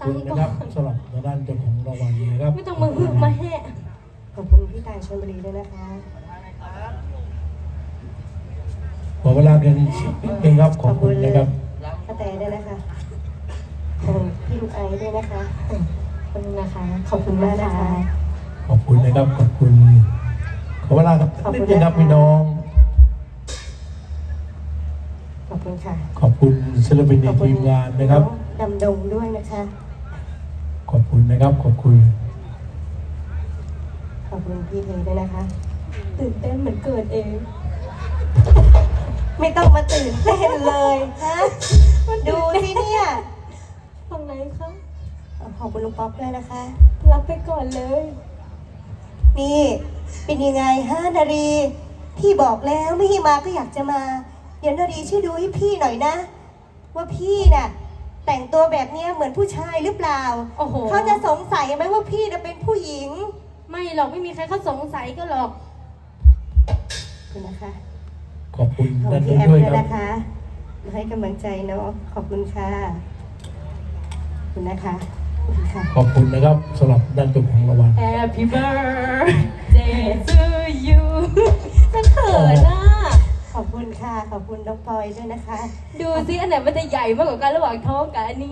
คุณนะครับสำหรับด้านเจ้าของรางวัลนะครับไม่ต้องมาฮึ่มาแห่ขอบคุณพี่ตายชลบุรีด้วยนะคะขอเวลากันนิดนึงครับขอบคุณนะครับกระแตด้วยนะคะขอบคุณพี่ลูกไอด้วยนะคะขอบคุณนะคะขอบคุณมากนะคะขอบคุณนะครับขอบคุณขอเวลาครับนิดนึงครับพี่น้องขอบคุณค่ะขอบคุณศิลปินในทีมงานนะครับดำดงด้วยนะคะขอบคุณนะครับขอบคุณขอบคุณพี่เทด้วยนะคะตื่นเต้นเหมือนเกิดเองไม่ต้องมาตื่นเต้นเลยฮะดูสิเนี่ยฝั่งไหนคะขอบคุณลุงป๊อปด้วยนะคะรับไปก่อนเลยนี่เป็นยังไงฮะนารีพี่บอกแล้วไม่ให้มาก็อยากจะมาเดี๋ยวนารีช่วยดูให้พี่หน่อยนะ ว่าพี่น่ะแต่งตัวแบบนี้เหมือนผู้ชายหรือเปล่าโอ้โหเขาจะสงสัยไหมว่าพี่น่ะเป็นผู้หญิงไม่หรอกไม่มีใครเขาสงสัยก็หรอกขอบคุณนะคะขอบคุณขอบคุด้าณนพี่นี้แอมด้วยด้วยครับนะคะมาให้กำลังใจเนาะขอบคุณค่ะขอบคุณนะคะขอบคุณค่ะขอบคุณนะครับสำหรับด้านเจ้าของรางวัล Happy birthday to you ฉันเขินอ่ะขอบคุณค่ะขอบคุณน้องปอยด้วยนะคะดูซิอันไหนมันจะใหญ่มากกว่ากันระหว่างท้องกับอันนี้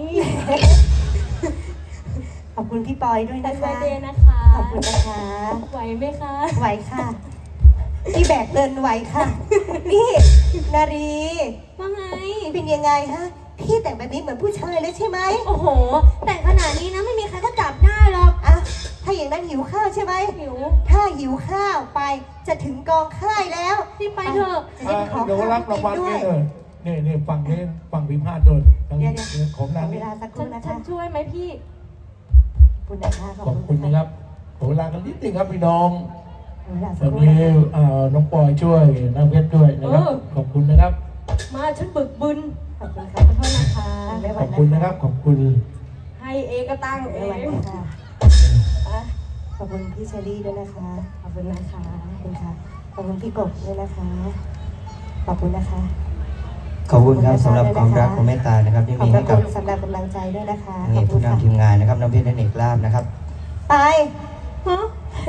ขอบคุณพี่ปอยด้วยแต่นะเบอคะร์เดย์นะคะขอบคุณนะคะไหวไหมคะไหวค่ะ พี่แบกเดินไหวค่ะ นี่นารีว่าไงเป็นยังไงฮะ พี่แต่งแบบนี้เหมือนผู้ชายเลยใช่ไหมโอ้โห แต่งขนาดนี้นะไม่มีใครก็จับได้หรอกอ่ะถ้าอย่างนั้นหิวข้าวใช่ไหมหิวถ้าหิวข้าวไปจะถึงกองค่ายแล้วรีบไปเถอะจะได้ไปขอเดี๋ยวข้าวรับพี่รางวัลด้วนี่ยเลยนี่ฝั่งนี้ฝั่งพิพาทโดนทางเดี๋นี้ยวของขนาอน เวนี้ลาสักคฉัรู่นนะฉัคะนช่วยไหมพี่ขอบคุณนะคะขอบคุณนะครับขอเวลากันนิดนึงครับพี่น้องขอเวลาตสัอก นครู่นี้นะคะน้องปอยช่วยน้องเพชรด้วยนะครับ ขอบคุณนะครับมาฉันบึกบึนขอบคุณค่ะขอโทษนะคะไม่ไหวขอบคุณนะครับขอบคุณให้เองก็ตั้งเอไม่ไหวงนะคะขอบคุณพี่เชอรี่ด้วยนะคะขอบคุณนะคะขอบคุณค่ะ ขอบคุณพี่กบด้วยนะคะ ขอบคุณนะคะขอบคุณครับสำหรับความรักความเมตตานะครับที่ขอบมีให้กับคุณสำหรับกำลังใจด้วยนะคะนี่ขอบคุผู้ณค่ะนำทีมงานนะครับน้องเพชรและเอกลาบนะครับไปฮะ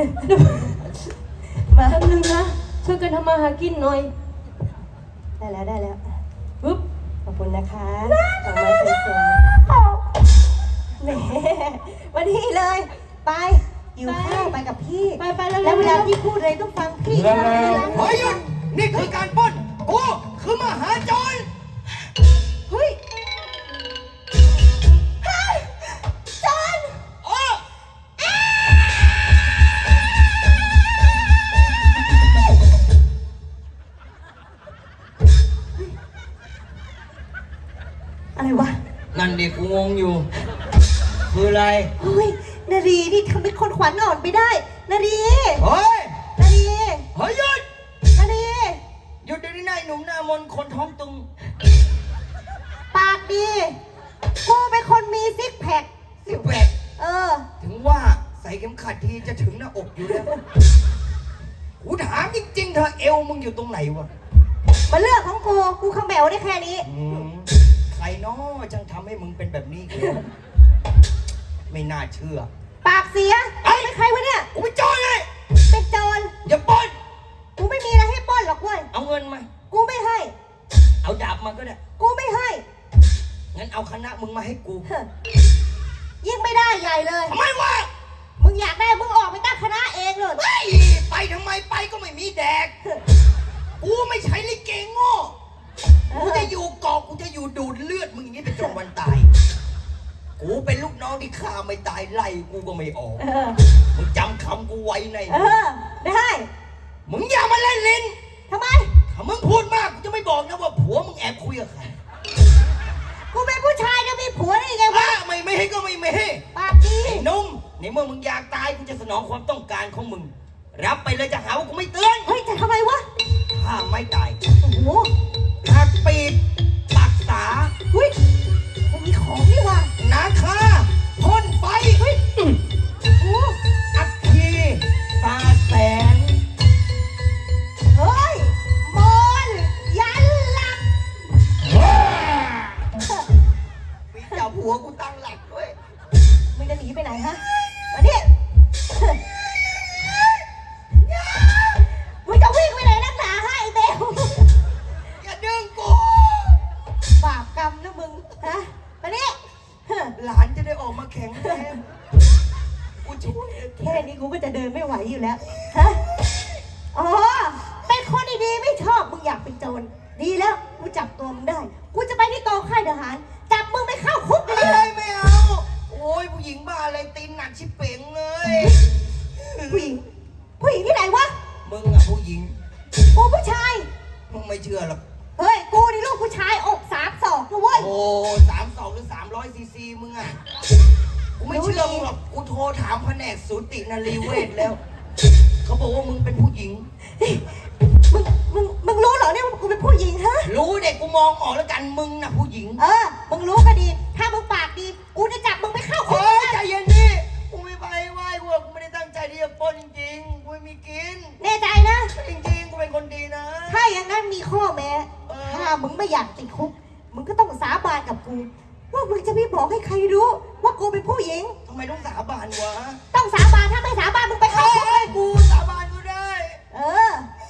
มาแป๊บนึงนะ ช่วยกันทำมาหากินหน่อยได้แล้วได้แล้วปึ๊บขอบคุณนะคะดอกไม้สวยๆแหมวันนี้เลย ไป อยู่ข้าวไปกับพี่ไปไปแล้วแล้วเวลาพี่พูดอะไรต้องฟังพี่แล้วเฮ้ยหยุดนี่คือการปล้นกูคือมหาโจรเฮ้ยจอนเอออะไรวะนั่นเด็กกูงงอยู่ คืออะไรเฮ้ย นารีนี่ทำเป็นคนขวัญอ่อนไปได้ นารีเฮ้ยนารีเฮ้ยหยุดนารีหยุดเดี๋ยวนี้นายหนุ่มหน้ามนต์คนท้องตึงปากดี กูเป็นคนมีซิกแพคสิแปดเออถึงว่าใส่เข็มขัดทีจะถึงหน้าอกอยู่แล้วกูถามจริงๆเธอเอวมึงอยู่ตรงไหนวะมาเลือกของกู กูขมแมวได้แค่นี้ใครน้อจังทำให้มึงเป็นแบบนี้กันไม่น่าเชื่อปากเสียไอ้เป็นใครวะเนี่ยกูเป็นโจรไงเป็นโจรอย่าปล้นกูไม่มีอะไรให้ปล้นหรอกเว้ยเอาเงินมากูไม่ให้เอาดาบมาก็ได้กูไม่ให้งั้นเอาคณะมึงมาให้กูเฮ้ยยิ่งไม่ได้ใหญ่เลยทำไมวะมึงอยากได้มึงออกไปตั้งคณะเองเลยเฮ้ยไปทำไมไปก็ไม่มีแดก กูไม่ใช่ลิเกโง่กูจะอยู่เกาะกูจะอยู่ดูดเลือดมึงอย่างนี้ไปจนวันตาย กูเป็นลูกน้องที่ฆ่าไม่ตายไล่กูก็ไม่ออกเออมึงจำคำกูไว้ในเออ ได้มึงอย่ามาเล่นลิ้นทำไมถ้ามึงพูดมากกูจะไม่บอกนะว่าผัวมึงแอบคุยกับใครกูเป็นผู้ชายจะมีผัวได้ยังไงวะไม่ให้ก็ไม่ให้ปากดีไอ้หนุ่มในเมื่อมึงอยากตายกูจะสนองความต้องการของมึง รับไปเลยจะหาว่ากูไม่เตือนเฮ้ยจะทำไมวะถ้าไม่ตายโอ้โหหักปีกปักษาเฮ้ยมันมีของนี่ว่ะนาคาพ่นไฟเฮ้ยโอ้โหอัคคีตาแสงเฮ้ยมอนยันหลักมีเจ้าผัวกูตั้งหลักด้วยกูก็จะเดินไม่ไหวอยู่แล้ว ฮะ อ๋อ เป็นคนดีๆไม่ชอบ มึงอยากเป็นโจร ดีแล้ว กูจับตัวมึงได้ กูจะไปที่กองค่ายทหาร จับมึงไปเข้าคุกเลเฮ้ยยไม่เอา โอ้ยผู้หญิงบ้าอะไรตีนหนักชิบเป่งเลยผู้หญิง ผู้หญิงที่ไหนวะมึงอะผู้หญิงกูผู้ชายมึงไม่เชื่อหรอกเฮ้ย กูนี่ลูกผู้ชายอก32นะเว้ยโอ้32หรือ300ซีซีมึงอะกูไม่เชื่อมึงหรอก กูโทรถามแผนกสูตินรีเวชแล้ว เขาบอกว่ามึงเป็นผู้หญิงมึงรู้เหรอเนี่ยว่ากูเป็นผู้หญิงฮะรู้เด็กกูมองออกแล้วกันมึงน่ะผู้หญิงมึงรู้ก็ดี ถ้ามึงปากดี กูจะจับมึงไปเข้าคุเฮ้กยใจเย็นดิกูไม่ไปไหว้กูไม่ได้ตั้งใจที่จะปล้นจริงๆ กูไม่มีกินแน่ใจนะจริงๆ กูเป็นคนดีนะถ้าอย่างนั้นมีข้อแม้ ถ้ามึงไม่อยากติดคุก มึงก็ต้องสาบานกับกู ว่ามึงจะไม่บอกให้ใครรู้ ว่ากูเป็นผู้หญิงทำไมต้องสาบานวะต้องสาบาน ถ้าไม่สาบานมึงไปเข้าคุกเลยกูสาบานกูได้เออ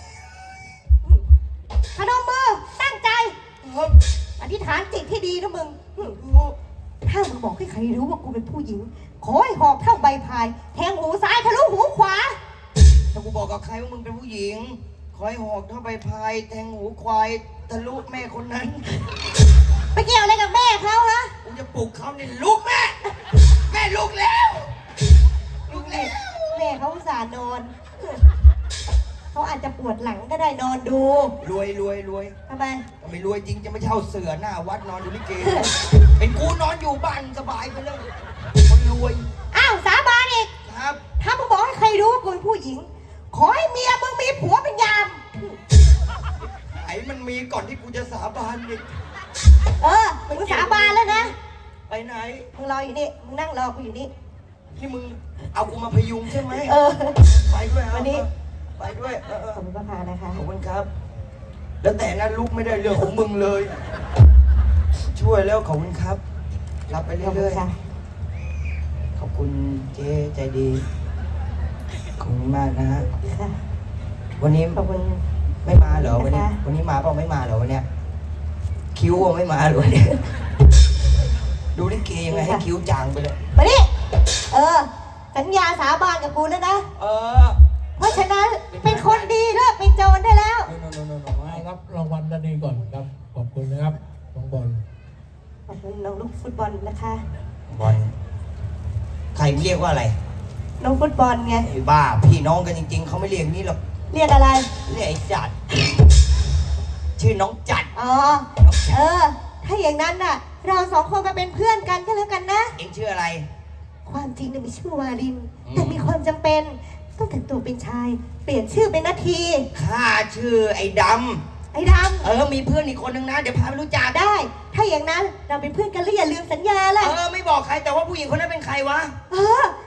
พนมมือ ตั้งใจครับอธิษฐานจิตที่ดีนะมึง ถ้ามึงบอกให้ใครรู้ว่ากูเป็นผู้หญิง ขอให้หอกเท่าใบพาย แทงหูซ้ายทะลุหูขวาถ้ากูบอกกับใครว่ามึงเป็นผู้หญิง ขอให้หอกเท่าใบพายแทงหูควายทะลุแม่คนนั้นไปเกี่ยวอะไรกับแม่เขาฮะกูจะปลุกเขาเนี่ยลุกแม่ แม่ลุกแล้วลุกแล้วแม่เขาอุตส่าห์นอน เขาอาจจะปวดหลังก็ได้นอนดูรวยรวยรวยทำไมถ้าไม่รวยจริงจะไม่เช่าเสือหน้าวัดนอนดูลิเกเป็นกูนอนอยู่บ้านสบายไปเลยคนรวยอ้าวสาบานอีกครับถ้ามึงบอกให้ใครรู้ว่ากูเป็นผู้หญิง ขอให้เมียมึงมีผัวเป็นยามไอ้มันมีก่อนที่กูจะสาบานอีกมึงสาบานแล้วนะไปไหนมึงรออยู่นี่ มึงนั่งรอกูอยู่นี่ที่มึงเอากูมาพยุงใช่ไหม ไปด้วยเอาวันนี้ไปด้วยขอบคุณพระพานะคะขอบคุณครับ แล้วแต่นั้นลูกไม่ได้เรื่องของมึงเลย ช่วยแล้วขอบคุณครับ รับไปขอบคุเรื่ณอยค่ะๆ ขอบคุณเจ๊ใจดี ขอบคุณมากนะฮะค่ะวันนี้ขอบคุณไม่มาเหรอวันนี้นะคะวันนี้มาเปล่าไม่มาเหรอวันเนี้ยคิ้วอะไม่มาเหรอวันเนี้ยดูลิเกยังไงให้คิ้วจางไปเลยมาดิสัญญาสาบานกับกูแล้วนะ เพราะฉะนั้นเป็นคนดีเลิกเป็นโจรได้แล้วรับรางวัลด้านนี้ก่อนครับ ขอบคุณนะครับน้องบอลขอบคุณน้องลูกฟุตบอลนะคะบอลใครเรียกว่าอะไรน้องฟุตบอลไงไอ้บ้าพี่น้องกันจริงๆเขาไม่เรียกนี้หรอกเรียกอะไรเรียกไอ้จัด ชื่อน้องจัดอ๋อ ถ้าอย่างนั้นน่ะ เราสองคนมาเป็นเพื่อนกันก็แล้วกันนะเอ็งชื่ออะไรความจริงเนี่ยมีชื่อวาลินอืมแต่มีความจำเป็นต้องแต่งตัวเป็นชาย เปลี่ยนชื่อเป็นนาทีข้าชื่อไอ้ดไอ้ดำมีเพื่อนอีกคนนึงนะ เดี๋ยวพาไปรู้จักำได้ ถ้าอย่างนั้นเราเป็นเพื่อนกันแล้วอย่าลืมสัญญาล่ะไม่บอกใครแต่ว่าผู้หญิงคนนั้นเป็นใครวะเออ